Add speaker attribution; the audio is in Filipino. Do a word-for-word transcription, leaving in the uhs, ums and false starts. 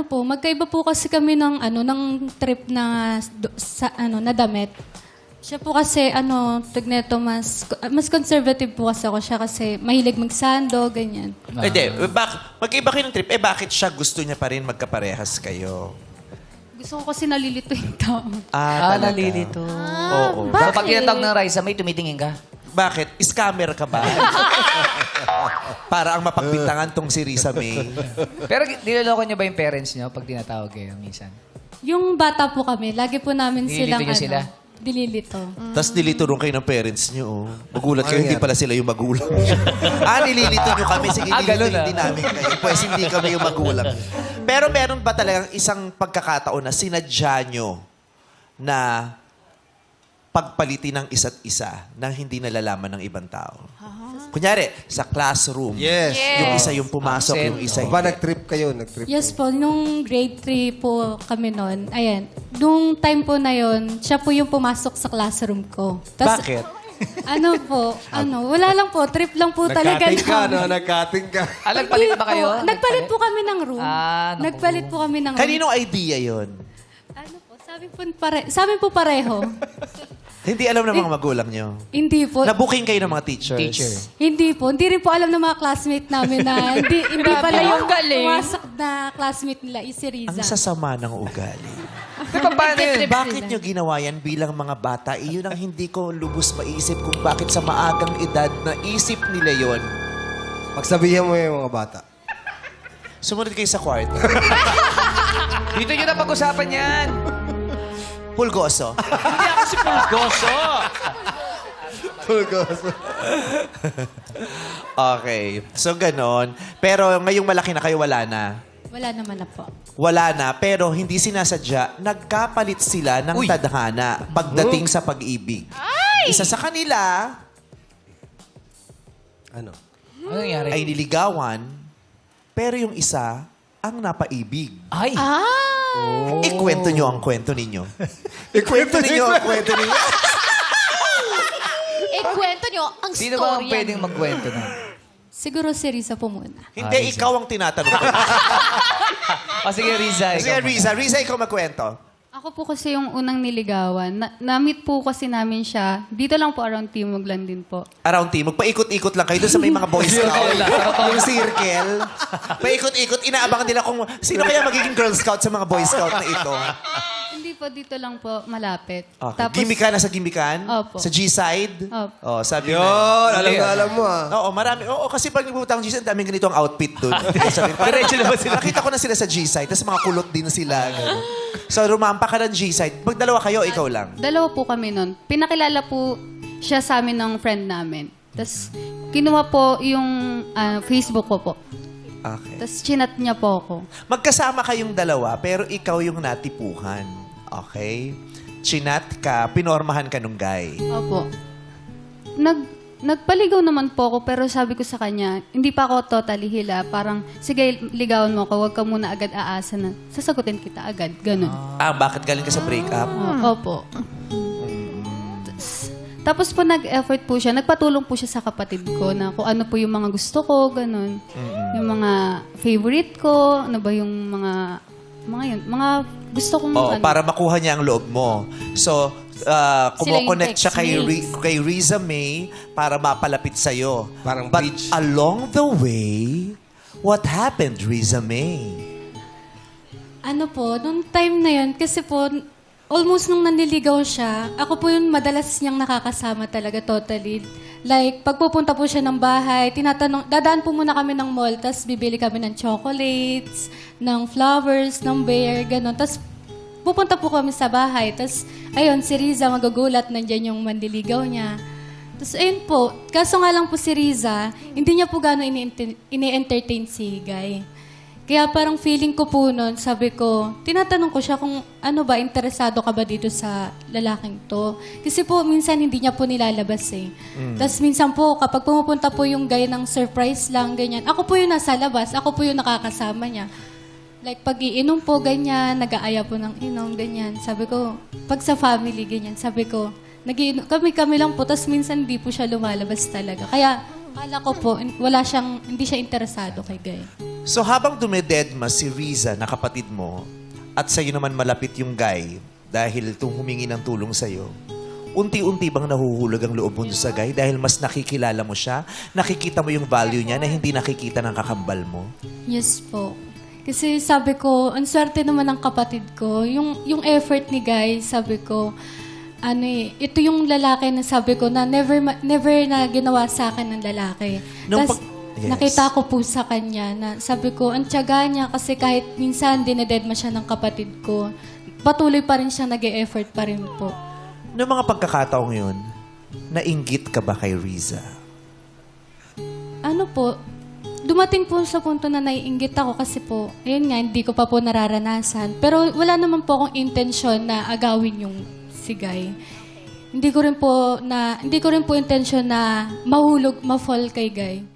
Speaker 1: ano po, magkaiba po kasi kami ng ano ng trip na do- sa ano na damit. Siya po kasi ano, tigneto mas mas conservative po kasi ako siya kasi mahilig magsando, ganyan.
Speaker 2: Eh, Hindi, bak mag-iba kayo ng trip. Eh, bakit siya gusto niya pa rin magkaparehas kayo?
Speaker 1: Gusto ko kasi nalilito yung tao.
Speaker 2: Ah,
Speaker 3: Ah,
Speaker 2: talaga?
Speaker 3: nalilito.
Speaker 2: Oo.
Speaker 1: Bakit?
Speaker 3: Kapag tinatawag ng Raisa, may tumitingin ka.
Speaker 2: Bakit? Scammer ka ba? Para ang mapagbintangan tong si Risa May.
Speaker 3: Pero niloloko niyo ba yung parents niyo pag tinatawag kayo minsan?
Speaker 1: Yung bata po kami, lagi po namin
Speaker 3: Nililito
Speaker 1: silang
Speaker 3: niyo
Speaker 1: ano,
Speaker 3: sila?
Speaker 1: dililito.
Speaker 2: Tapos nilito rin kayo ng parents niyo. Oh. Magulat kayo, hindi pala sila yung magulang. ah, nililito niyo kami. Sige,
Speaker 3: Ah,
Speaker 2: nililito
Speaker 3: ganun, ah.
Speaker 2: din namin kayo. Pues hindi kami yung magulang. Pero meron ba talagang isang pagkakataon na sinadya nyo na pagpalitin ng isa't isa nang hindi nalalaman ng ibang tao? Kunyari, sa classroom.
Speaker 4: Yes.
Speaker 2: Yung isa yung pumasok,
Speaker 3: Absent.
Speaker 2: yung isa
Speaker 4: Ba,
Speaker 2: hindi.
Speaker 4: nag-trip kayo? Nag-trip
Speaker 1: Yes po, nung grade three po kami noon, ayan, nung time po na yon, siya po yung pumasok sa classroom ko. Tas,
Speaker 2: Bakit?
Speaker 1: Ano po, ano, wala lang po, trip lang po talaga.
Speaker 4: Nag-cutting ka,
Speaker 1: namin.
Speaker 4: no? Nag-cutting ka.
Speaker 3: Ah, nagpalit
Speaker 1: Hindi
Speaker 3: ba kayo?
Speaker 1: po. Nagpalit po kami ng room.
Speaker 3: Ah, naku.
Speaker 1: Nagpalit po kami ng room.
Speaker 2: Kaninong idea yon?
Speaker 1: Ano po, sabi po, pare, sabi po pareho.
Speaker 2: Hindi alam ng mga magulang nyo.
Speaker 1: Hindi po.
Speaker 2: Nabuking kayo ng mga teachers.
Speaker 3: Teacher.
Speaker 1: Hindi po. Hindi rin po alam ng mga classmate namin na hindi, hindi pala yung
Speaker 5: galing.
Speaker 1: pumasok na classmate nila, is si Riza.
Speaker 2: Ang sasama ng ugali.
Speaker 3: Di ba paano yun?
Speaker 1: Trip
Speaker 2: Bakit
Speaker 1: sila.
Speaker 2: nyo ginawa yan bilang mga bata? Iyon ang hindi ko lubos maisip kung bakit sa maagang edad na isip nila yon.
Speaker 4: Pagsabihan mo yung mga bata.
Speaker 2: Sumunod kayo sa kwarto.
Speaker 3: Dito nyo na pag-usapan yan.
Speaker 2: Pulgoso.
Speaker 5: Hindi ako si Pulgoso.
Speaker 2: Okay. So, ganon. Pero ngayong malaki na kayo, wala na.
Speaker 1: Wala naman na po.
Speaker 2: Wala na, pero hindi sinasadya, nagkapalit sila ng
Speaker 3: Uy.
Speaker 2: tadhana pagdating sa pag-ibig. Isa sa kanila
Speaker 4: Ano?
Speaker 3: Ano nangyari?
Speaker 2: ay niligawan, pero yung isa ang napaibig.
Speaker 3: Ay!
Speaker 1: Ah!
Speaker 2: Ikwento nyo ang kwento ninyo. Ikwento ninyo ang kwento ninyo.
Speaker 5: Eh, kwento nyo ang
Speaker 3: Sino ba ang
Speaker 5: story
Speaker 3: pwedeng magkwento na?
Speaker 1: Siguro si Riza po muna.
Speaker 2: Hindi,
Speaker 3: Ah, Riza.
Speaker 2: ikaw ang tinatanong ko.
Speaker 3: O sige, Riza.
Speaker 2: Sige,
Speaker 3: ikaw
Speaker 2: Riza. Riza, ikaw magkwento.
Speaker 6: Ako po kasi yung unang niligawan. Na- Na-meet po kasi namin siya. Dito lang po around Timoglan din po.
Speaker 2: Around team, magpaikot-ikot lang kayo doon sa may mga boys scout. yung circle. Paikot-ikot, inaabangan nila kung sino kaya magiging girl scout sa mga boy scout na ito.
Speaker 6: Hindi po, dito lang po malapit.
Speaker 2: Okay. Gimikan na sa gimikan?
Speaker 6: Opo.
Speaker 2: Sa G-side?
Speaker 6: Opo.
Speaker 2: Oh, sabi
Speaker 4: Yun,
Speaker 2: na.
Speaker 4: alam na alam mo ah.
Speaker 2: Oo, marami. Oo, kasi pag nagpupunta ang G-side, daming ganito ang outfit doon. Sabi, diretso na ba sila? Nakita ko na sila sa G-side, tapos mga kulot din sila. ganun. So, rumampa ka ng G-side. Pag dalawa kayo, ikaw lang.
Speaker 6: Dalawa po kami nun. Pinakilala po siya sa amin ng friend namin. Tapos, kinuha po yung ah, Facebook ko po.
Speaker 2: Okay.
Speaker 6: Tapos, chinat niya po ako.
Speaker 2: Magkasama kayong dalawa, pero ikaw yung natipuhan. Okay? Chinat ka, pinormahan ka nung guy.
Speaker 6: Opo. Nag, nagpaligaw naman po ako, pero sabi ko sa kanya, hindi pa ako totally hila. Parang, sige, ligawan mo ako, huwag ka muna agad aasa na. Sasagutin kita agad. Ganun.
Speaker 2: Ah, bakit galing ka sa breakup?
Speaker 6: O- Opo. Tas- Tapos po nag-effort po siya, nagpatulong po siya sa kapatid ko na kung ano po yung mga gusto ko, ganun. Yung mga favorite ko, ano ba yung mga, mga yun, mga gusto kong
Speaker 2: Oo,
Speaker 6: ano.
Speaker 2: para makuha niya ang loob mo. So, uh,
Speaker 1: Sila yung
Speaker 2: kumo-connect siya kay, Ri-
Speaker 1: textmates.
Speaker 2: kay Riza May para mapalapit sa'yo.
Speaker 4: Parang
Speaker 2: But
Speaker 4: bridge.
Speaker 2: along the way, what happened, Riza May?
Speaker 1: Ano po, nung time na yun, kasi po, almost nung nanliligaw siya, ako po yung madalas niyang nakakasama talaga totally. Like, pagpupunta po siya ng bahay, tinatanong, dadaan po muna kami ng mall, tapos bibili kami ng chocolates, ng flowers, ng bear, gano'n. Tapos pupunta po kami sa bahay, tapos ayun, si Riza magagulat, nandyan yung manliligaw niya. Tapos ayun po, kaso nga lang po si Riza, hindi niya po gano'n ini- ini-entertain si Guy. Kaya parang feeling ko po nun, sabi ko, tinatanong ko siya kung ano ba, interesado ka ba dito sa lalaking to? Kasi po, minsan hindi niya po nilalabas eh. Tapos minsan po, kapag pumupunta po yung guy ng surprise lang, ganyan, ako po yung nasa labas, ako po yung nakakasama niya. Like, pag iinom po, ganyan, nag-aaya po ng inom, ganyan. Sabi ko, pag sa family, ganyan, sabi ko, nag kami-kami lang po, tapos minsan hindi po siya lumalabas talaga. Kaya, Akala ko po, in- wala siyang, hindi siya interesado kay Guy.
Speaker 2: So habang dumededma si Riza na kapatid mo at sa'yo naman malapit yung guy dahil tung humingi ng tulong sa'yo, unti-unti bang nahuhulog ang loob mo sa guy dahil mas nakikilala mo siya, nakikita mo yung value niya na hindi nakikita ng kakambal mo?
Speaker 1: Yes po. Kasi sabi ko, ang swerte naman ng kapatid ko. Yung, yung effort ni Guy, sabi ko, ano eh, ito yung lalaki na sabi ko na never ma- never na ginawa sa akin ng lalaki.
Speaker 2: Nung
Speaker 1: Tas,
Speaker 2: pag- Yes.
Speaker 1: nakita ko po sa kanya na sabi ko, ang tiyaga niya kasi kahit minsan dinededma siya ng kapatid ko, patuloy pa rin siya nag-e-effort pa rin po.
Speaker 2: Noong mga pagkakataong yun, nainggit ka ba kay Riza?
Speaker 1: Ano po, dumating po sa punto na naiinggit ako kasi po, ayun nga, hindi ko pa po nararanasan. Pero wala naman po akong intensyon na agawin yung si Guy. Hindi ko rin po na hindi ko rin po intensyon na mahulog, ma-fall kay Guy.